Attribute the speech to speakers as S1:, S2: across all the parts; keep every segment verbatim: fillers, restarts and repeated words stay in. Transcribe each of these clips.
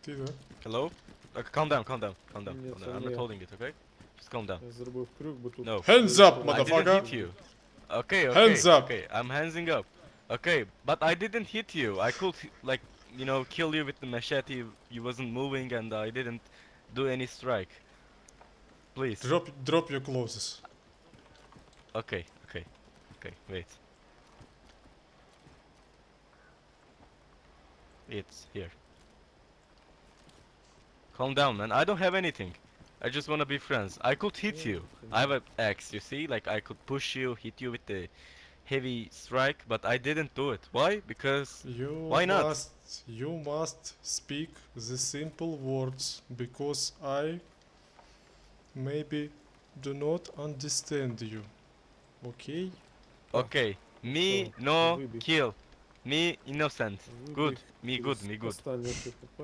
S1: Ти, да?
S2: Hello? Uh, calm down, calm down, calm down.
S3: Ні,
S2: calm
S3: це
S2: down. I'm
S3: не
S2: not
S3: я.
S2: holding it, okay? Just calm down.
S3: Я зробив крюк, бо тут...
S2: No.
S1: Hands up,
S2: I didn't
S1: motherfucker!
S2: hit you. Okay, okay,
S1: Hands up.
S2: okay. I'm handsing up. Okay, but I didn't hit you. I could, like, you know, kill you with the machete. You wasn't moving, and I didn't do any strike. Please.
S1: Drop, drop your clothes.
S2: Okay, okay, okay. Wait. It's here. Calm down, man. I don't have anything. I just wanna be friends. I could hit
S3: Yeah,
S2: you.
S3: okay.
S2: I have an axe, you see? Like I could push you, hit you with the heavy strike, but I didn't do it. Why? Because
S1: You
S2: Why not?
S1: must, you must speak the simple words, because I maybe do not understand you. Okay?
S2: okay, me
S3: So,
S2: no
S3: выбей.
S2: kill. Me innocent. Good.
S3: Вибіг
S2: Me good.
S3: із
S2: Me good.
S3: Останнє КПП.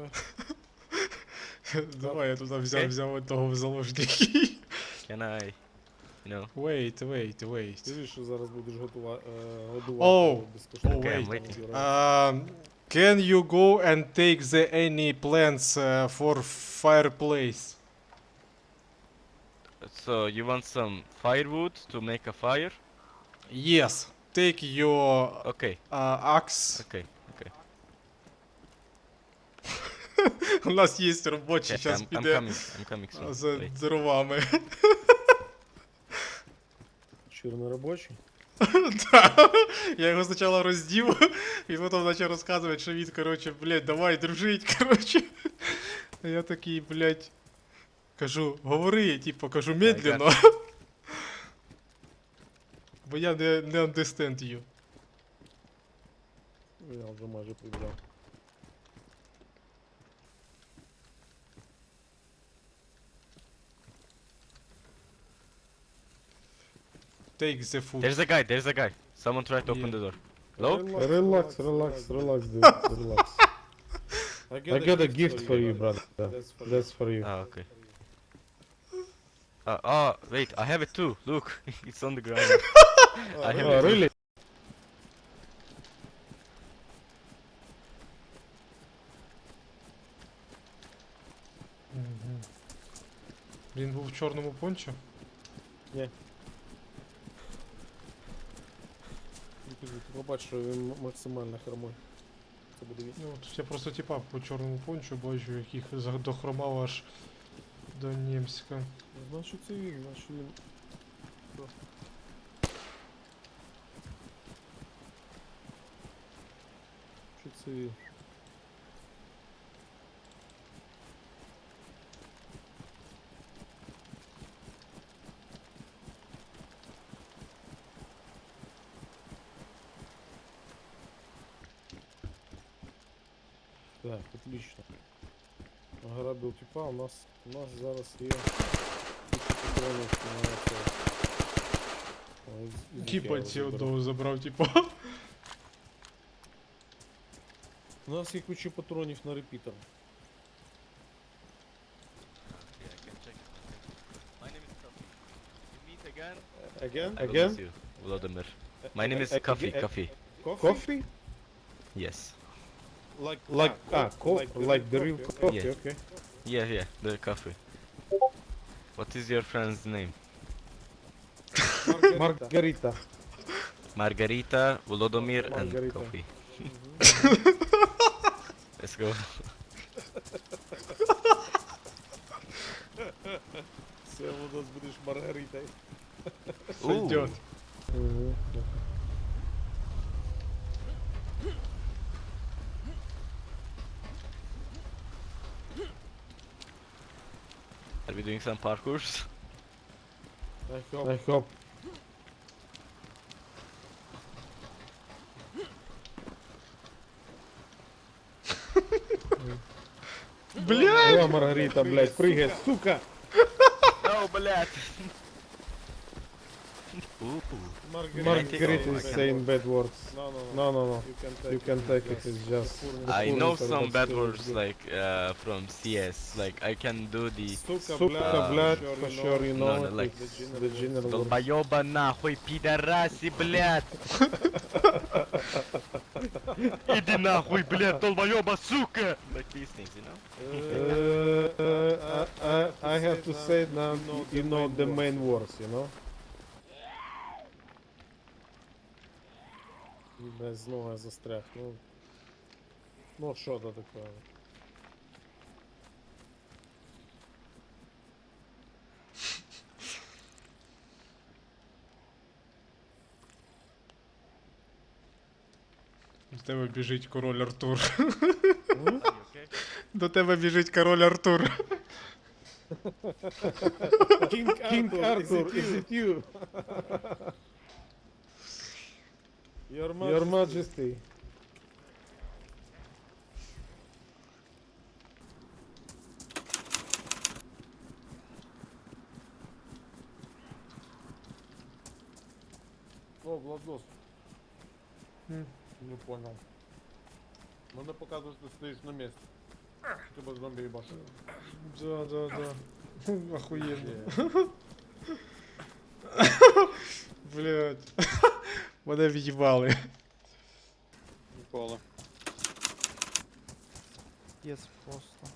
S1: Давай я туди взяв,
S2: Окей.
S1: взяв того в заложники.
S2: Can I, you know?
S1: Wait, wait, wait.
S3: Скажи, що зараз будеш готува... е, годувати
S1: Оу,
S3: безкоштовно.
S1: оу,
S2: wait.
S3: Там
S2: waiting.
S3: збирати.
S1: Um, can you go and take the any plants uh, for fireplace?
S2: So you want some firewood to make a fire?
S1: Yes. Take your
S2: Okay.
S1: uh, axe.
S2: Okay. Okay.
S1: У нас є робочий,
S2: Okay,
S1: зараз
S2: I'm, I'm
S1: піде
S2: coming. I'm coming soon.
S1: за
S2: Wait.
S1: дровами.
S3: Чорноробочий.
S1: Да. Я його спочатку роздів, і потім почав розказувати, що він, коротше, блядь, давай дружить, коротше. А я такий, блядь, кажу, говори, типу, кажу, медленно. Бо я не, не understand you.
S3: Я вже майже прибіжав.
S1: Take the food.
S2: There's a guy. There's a guy. Someone tried to open
S1: Yeah.
S2: the door. Hello?
S3: Релакс, релакс, релакс, dude. Релакс. I got a gift for you, brother. That's for you.
S2: Ah, okay. Uh, oh, wait. I have it too. Look, it's on the ground. I have
S3: Oh,
S2: it.
S3: really?
S1: Мгм. Він був в чорному пончо?
S3: Ні. Ти побач, що він м- максимально хромой. Це буде він.
S1: Ну, от я просто типа по чорному пончу бачу, яких за- дохромав аж до Нємська.
S3: Значить це він, значить він. Що це він? Так, отлично. Ограбил типа, у нас у нас зараз є куча патронів на це. О, із- із
S1: Типа
S3: Ікеа
S1: ці
S3: заберу.
S1: одного забрав, типа.
S3: У нас є куча патронів на репітер.
S2: Yeah, I can check it. My name is Coffee. You meet again?
S3: Again?
S2: I will
S3: Again?
S2: miss you, Vladimir. My name is
S3: A-
S2: Coffee.
S3: again-
S2: Coffee.
S3: Coffee?
S2: Yes.
S3: Like like ah, co- like the real coffee,
S2: Yeah.
S3: okay.
S2: Yeah, yeah. The coffee. What is your friend's name?
S3: Margarita.
S2: Margarita, Volodymyr, and
S3: Margarita.
S2: Coffee. Let's go.
S3: Все, у нас будеш Маргаритою.
S1: Сойдет.
S2: Are we doing some parkours?
S3: I hope. I hope.
S1: Блядь!
S3: О, Маргарита, блядь, прыгай, сука!
S2: No, блядь. Ooh.
S3: Margarita is saying bad words.
S4: No, no,
S3: No, no, no.
S4: You can take,
S3: You can take it, it's just...
S2: I
S3: Full
S2: know
S3: inter-
S2: some
S3: but
S2: bad
S3: still
S2: words
S3: good.
S2: like uh, from C S. Like I can do the
S4: Сука,
S3: Suka,
S4: блядь,
S3: blood,
S4: for
S3: for
S4: sure
S3: sure, you
S2: No,
S3: know
S2: no,
S3: it,
S2: like-
S3: it's the general word.
S2: долбоёба нахуй, пидораси, блядь. Иди нахуй, блядь, долбоёба, сука. Like these things, you know?
S3: Uh, uh, uh, I have to say now, you know the main words, you know? Без знову я застряг, ну... Ну, що то таке?
S1: До тебе біжить король Артур.
S3: М?
S2: Are you okay?
S1: До тебе біжить король Артур.
S3: King Arthur, is it you? Your Majesty. Your Majesty. О, Владос. Не понял. Надо показывать, что стоишь на месте. Типа зомби ебашь.
S1: Да, да, да. Охуєнно. Блять. Мене в'їбали.
S4: Ніколи.
S5: Єс просто.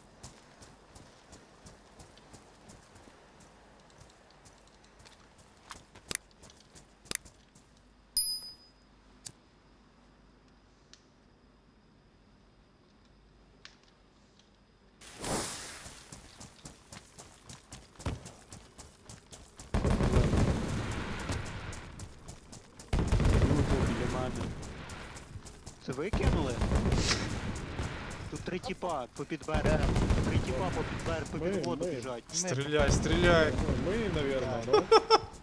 S4: Це ви кинули? Тут три тіпа по підберегам. Три тіпа по підбер, по
S3: Ми-
S4: підводу
S3: ми.
S4: біжать.
S1: Стріляй, стріляй.
S3: Ну, мы, наверное,
S4: Да.
S3: да?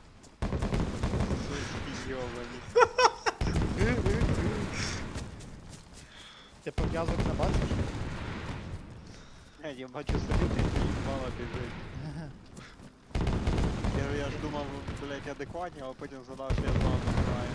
S4: Йовані.
S5: Ти пов'язок не бачиш?
S4: Е, Я бачу собі, ти мало біжить. Я, я ж думав, блять, адекватні, а потім згадав, що я з вами граю.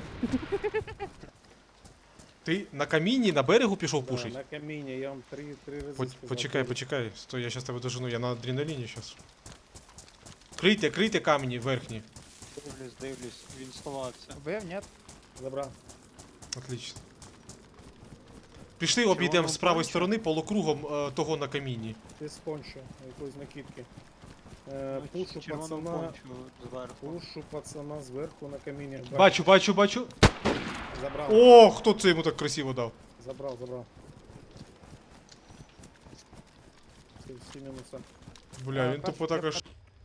S1: Ти на камінні на берегу пішов
S3: Да,
S1: пушить?
S3: на камине я вам три, три раза
S1: Поч-
S3: сказал.
S1: Почекай,
S3: три.
S1: почекай. Стой, я щас тебе дожену, я на адреналіні щас. Крийте, крийте камені верхні.
S4: Дивлюсь, дивлюсь, він сховався.
S5: Вбив, ні?
S3: Забрал.
S1: Отлично. Пішли обійдемо
S4: воно
S1: з правої
S4: конче?
S1: сторони полукругом е, того на камінні.
S3: Ти з пончо, якоїсь накидки. Е,
S4: Ну,
S3: пушу
S4: червону
S3: пацана,
S4: пончу зверху.
S3: пушу пацана зверху на камине.
S1: Бачу, бачу, бачу.
S3: Забрал,
S1: О, хто це йому так красиво дав?
S3: забрал, забрал. Всі- Всі мінуса.
S1: Бля, він тупо також.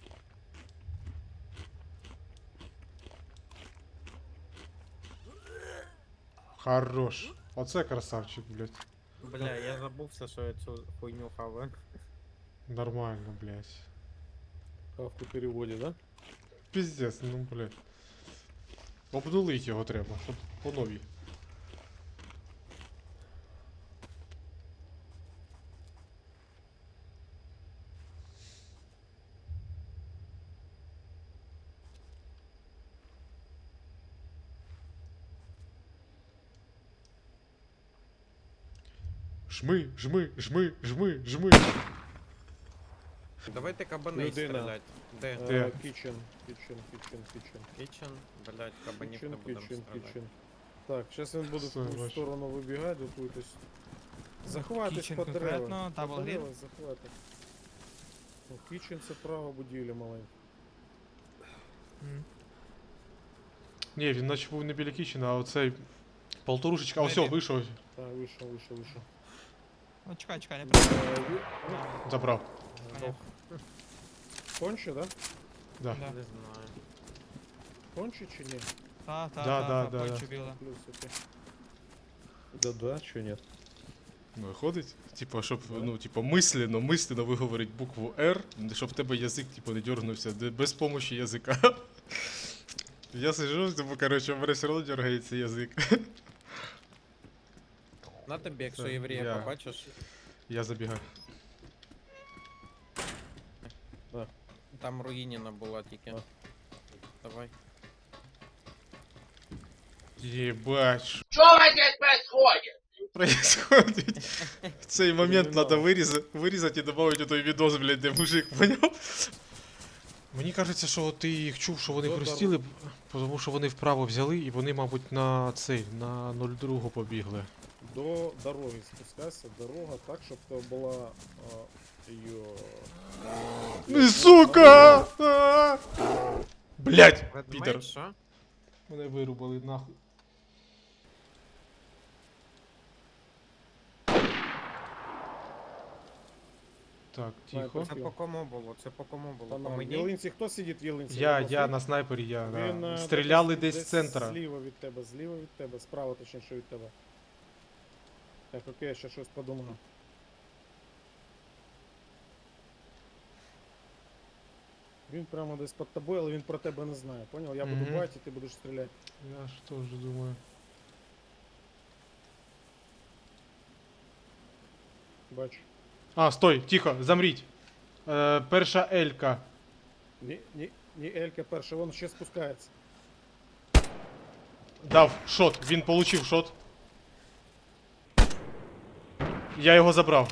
S1: Хорош. Оце красавчик, блядь.
S6: Бля, я забувся, що я цю хуйню хаваю.
S1: Нормально, блядь.
S3: Хавку переводі, да?
S1: Піздець, ну блядь. Обнулить його треба, щоб по новій. Жми, жми, жми, жми, жми.
S6: Давайте кабаней
S3: Людина.
S6: стрілять. Де?
S1: Де?
S3: Е, Кічен, кічен, кічен, кічен.
S6: Кічен? Блять, кабанів не
S3: Кічен,
S6: будемо
S3: кічен,
S6: стріляти.
S3: кічен. Так, зараз він буде в
S1: Все,
S3: ту
S1: бачу.
S3: сторону вибігати, готуйтесь. Захватись
S7: Кічен
S3: по
S7: конкретно,
S3: деревам. По
S7: Double
S3: деревам захвати. Ну, Кічен це права будівля маленька.
S1: Ні, він наче був не біля кічена, а оцей полторушечка. А все,
S7: Maybe.
S1: вийшов,
S3: Так, вийшов, вийшов, вийшов.
S7: Ну чекай, чекай, не
S3: Е,
S7: прийду.
S3: ви-
S7: Да,
S1: забрав.
S7: понятно.
S3: Конче, да?
S1: Да.
S7: Да.
S6: Не знаю.
S3: Конче чи ні?
S7: Та, та,
S1: Да,
S7: та,
S1: да,
S7: та,
S1: да,
S7: пончо
S1: да.
S7: біле.
S3: Плюс, окей. Да-да, чи ні?
S1: Ну, виходить, типа, щоб, ну, типа, мислено, мислено виговорить букву R, щоб в тебе язик, типу, не дергнувся, де- без помощі язика. Я сижу, типу, короче, у мене все одно дергається язик.
S6: На тобі, якщо
S1: Це
S6: єврея
S1: я.
S6: побачиш,
S1: Я забігаю.
S6: там руїніна була тільки.
S3: А.
S6: Давай.
S1: Єбать. Що здесь происходит? Происходит. В цей момент
S3: Кримінал.
S1: треба вирізати, вирізати і додати той відос, блядь, де мужик, поняв? Мені кажеться, що ти їх чув, що вони
S3: Добре.
S1: хрустіли, б- тому що вони вправо взяли і вони, мабуть, на цей, на нуль два побігли.
S3: До дороги спускайся. Дорога так, щоб то була а, її...
S1: Ну, сука! А! Блять,
S6: Ведмедь,
S1: підер.
S6: що?
S1: Мене вирубали нахуй. Так, тихо.
S6: Це по кому було? Це по кому було?
S3: Там
S6: По
S3: в
S6: мені?
S3: Єлинці, хто сидить в Єлинці?
S1: Я,
S3: Рядом
S1: я
S3: стоїть?
S1: на снайпері, я.
S3: Він,
S1: Да.
S3: е,
S1: Стріляли
S3: допустим,
S1: десь з центра.
S3: Зліва від тебе, зліва від тебе, справа точніше від тебе. Так, окей, я ще щось подумаю. Він прямо десь під тобою, але він про тебе не знає, понял? Я буду
S1: Мгм.
S3: бачити, ти будеш стріляти.
S1: Я ж теж думаю.
S3: Бачу.
S1: А, стой, тихо, замріть. Е, перша Елька.
S3: Ні, ні, ні, Елька перша, вон ще спускається.
S1: Дав шот, він получив шот. Я його забрав.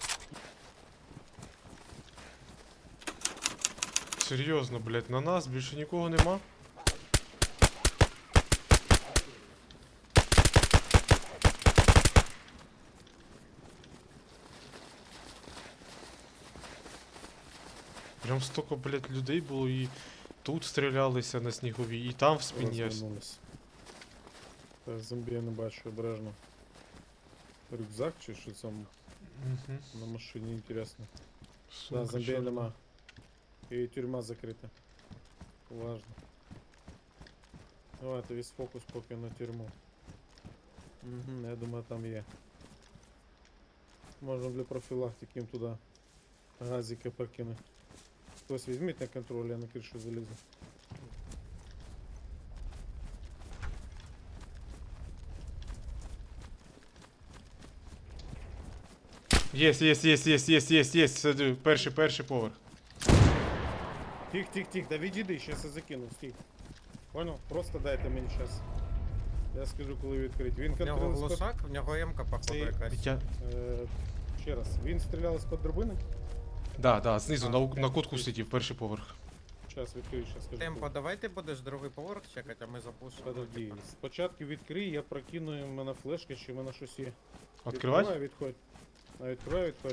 S1: Серйозно, блядь, на нас більше нікого нема. Прям столько, блядь, людей було і тут стрілялися на сніговій, і там в спині.
S3: Розвернулись. Так, зомбі я не бачу, обережно. Рюкзак чи що там
S1: Угу.
S3: на машині, інтересно. Да, зомбі нема. І тюрма закрита. Важно. Давайте весь фокус поки на тюрму. Угу, я думаю там є. Можна для профілактики їм туди газики покинуть. Хтось візьміть на контроль, я на кришу залізу.
S1: Єс, єс, єс, єс, єс, єс, єс, сиди, перший, перший поверх.
S3: Тих, тих, тих, да відійди, щас я закину, стій. Понял? Просто дайте мені час. Я скажу, коли відкрити. Він
S6: В нього
S3: контролює з-під-
S6: глушак, в нього М-ка походу
S3: Це-
S6: якась.
S1: Я...
S3: Е, ще раз, він стріляв з-під драбини?
S1: Да, да, знизу
S6: А,
S1: на, у- на кутку сидів, перший поверх.
S3: Щас відкрию, щас скажу.
S6: Темпо, давай ти будеш другий поверх чекати, а ми запушимо.
S3: Подожди, спочатку відкрий, я прокину, в мене флешка, чи в мене щось є.
S1: Відкривати?
S3: Відкривай, відходь. А відкривай, відходь.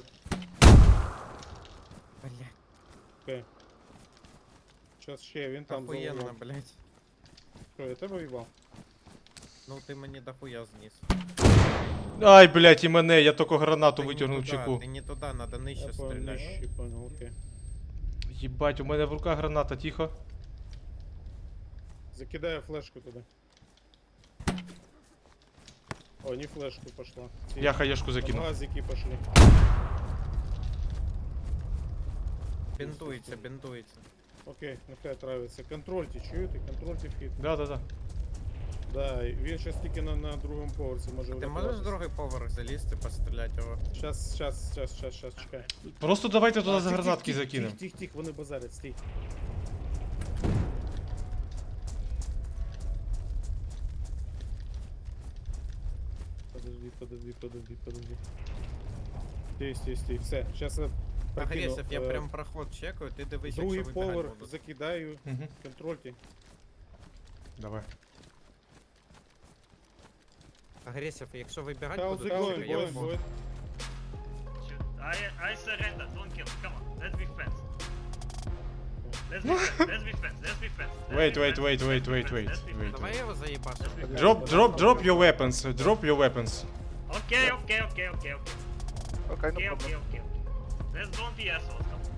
S6: Блять,
S3: Окей. Щас ще, він там
S6: охуєнно,
S3: заложив.
S6: блять.
S3: Що, я тебе в'їбав?
S6: Ну ти мені дохуя зніс.
S1: Ай, блядь, і мене, я тільки гранату
S6: Ти не
S1: витягнув
S6: туди,
S1: чеку.
S6: Ти не туди, надо
S3: Я
S6: нижче
S3: понял,
S6: стріляти.
S3: нижче, понял, окей.
S1: Єбать, у мене в руках граната, тихо.
S3: Закидаю флешку туди. О, не флешку пошла. Ці-
S1: Я хаєшку
S3: там
S1: закинув.
S3: газики пошли.
S6: Бінтується, бінтується.
S3: Окей, нехай травиться. Контрольте, чуєте? Контрольте вхід.
S1: Да, да, да.
S3: Да, і він щас тільки на, на другому поверсі може
S6: Ти можеш другий поверх залізти, постріляти його?
S3: Щас, щас, щас, щас, щас, чекай.
S1: Просто давайте туди
S3: А,
S1: за
S3: тих,
S1: гранатки
S3: тих, тих,
S1: закинемо.
S3: Тих, тих, тих, вони базарять, стій. Подожди, подожди, подожди, подожди. Стій, стій, стій, все, щас я прокину.
S6: Агресив, я
S3: е,
S6: прям проход чекаю, ти дивись,
S3: Другий
S6: якщо вибігати
S3: поверх
S6: будуть.
S3: закидаю,
S1: Угу.
S3: контрольте.
S1: Давай.
S6: Агресив, якщо вибігати
S3: How's
S6: будуть,
S3: it going,
S6: чекай, я
S3: boys?
S6: вб'ю.
S3: Boys?
S8: I I surrender. Don't kill. Come on. Let's be friends. Let's be friends. Let's be friends. Let's be friends. Let's
S1: Wait,
S8: be
S1: wait,
S8: friends.
S1: wait,
S8: Let's
S1: wait,
S8: be
S1: wait,
S8: friends.
S1: wait,
S8: Let's be
S1: wait.
S8: friends.
S6: Давай я його заїбашу.
S8: Let's be friends.
S1: Drop, drop, drop your weapons. Drop your weapons.
S8: Okay, okay, okay, okay, okay.
S5: Okay, no
S8: Okay,
S5: problem.
S8: okay, okay, okay. Let's don't be assholes. Come on.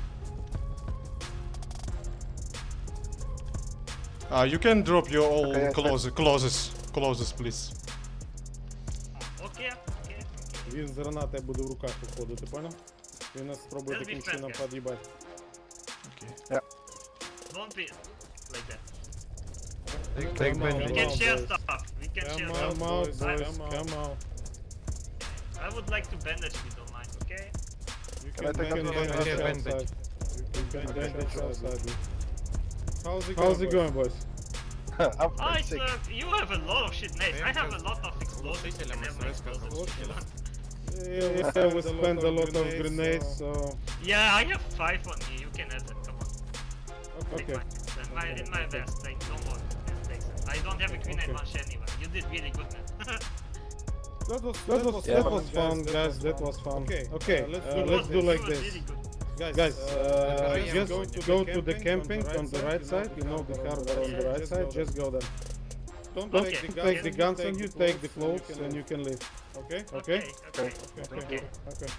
S1: Uh, you can drop your all
S5: Okay, I-
S1: clothes, clothes, clothes, please.
S8: Okay, okay.
S3: Він з гранатою буде в руках виходити, понял? Він нас спробує
S8: Let's
S3: таким
S8: be
S3: чином
S8: friends, guys.
S3: під'їбати.
S1: Okay.
S8: Don't be like that.
S5: Take
S3: Come on,
S8: We
S5: bandage.
S8: can
S3: on,
S8: share
S3: boys.
S8: stuff. We can share
S3: Come
S8: stuff.
S3: out,
S8: I-
S3: boys, come out.
S8: I would like to bandage if you don't mind. Okay.
S3: You
S5: Can I take
S3: you
S5: a
S3: bandage
S6: bandage?
S3: outside. You can bandage outside. How's it How's it
S5: I'm
S3: going, boys?
S8: I
S5: sick.
S8: sir, you have a lot of shit, mate. I have a lot of explosives. You
S6: Глушителем
S8: can have
S6: СВС
S8: explosives if you
S6: сказав.
S8: want.
S3: Yeah, we spend a lot of grenades, so...
S8: Yeah, I have five on me. You can have it. Come on. Take
S3: Okay.
S8: mine. In my, in my best. Like, don't worry. Just take it. I don't have a grenade
S3: Okay.
S8: launcher anyway. You did really good, man.
S3: That was that was
S5: Yeah,
S3: that was fun, guys. That was fun. Okay, okay. Uh, let's do let's do like this.
S8: Really good.
S3: Guys, uh, just go to the camping on the right side. You know the harbor on the right side. Just go there. Don't
S8: Okay.
S3: take the take the guns on you. Take the clothes and you can leave. Okay. Okay.
S8: Okay.
S3: Okay.
S8: Okay.
S3: Okay.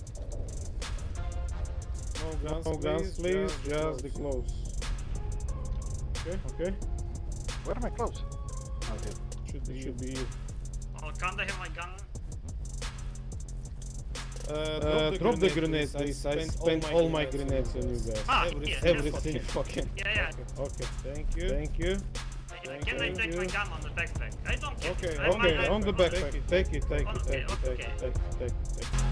S3: No guns, no guns, please. Just the clothes. Okay. Okay.
S5: Where are my clothes? Okay.
S3: Should be should be you.
S8: Oh, can't I have my gun?
S3: Uh, drop the grenades, please. I spent all my grenades on you guys.
S8: Ah, yes,
S3: Everything
S8: yes.
S3: fucking.
S8: Yeah, yeah.
S3: Okay. Thank you. Thank you.
S8: Uh, Can I
S3: Thank
S8: take my
S3: you.
S8: gun on the backpack? I don't care.
S3: Okay.
S8: I might
S3: Okay.
S8: have-
S3: On the backpack. Take it. Take it.
S8: Okay,
S3: Take it. Take
S8: okay.
S3: it. Take it. Take it. Take it.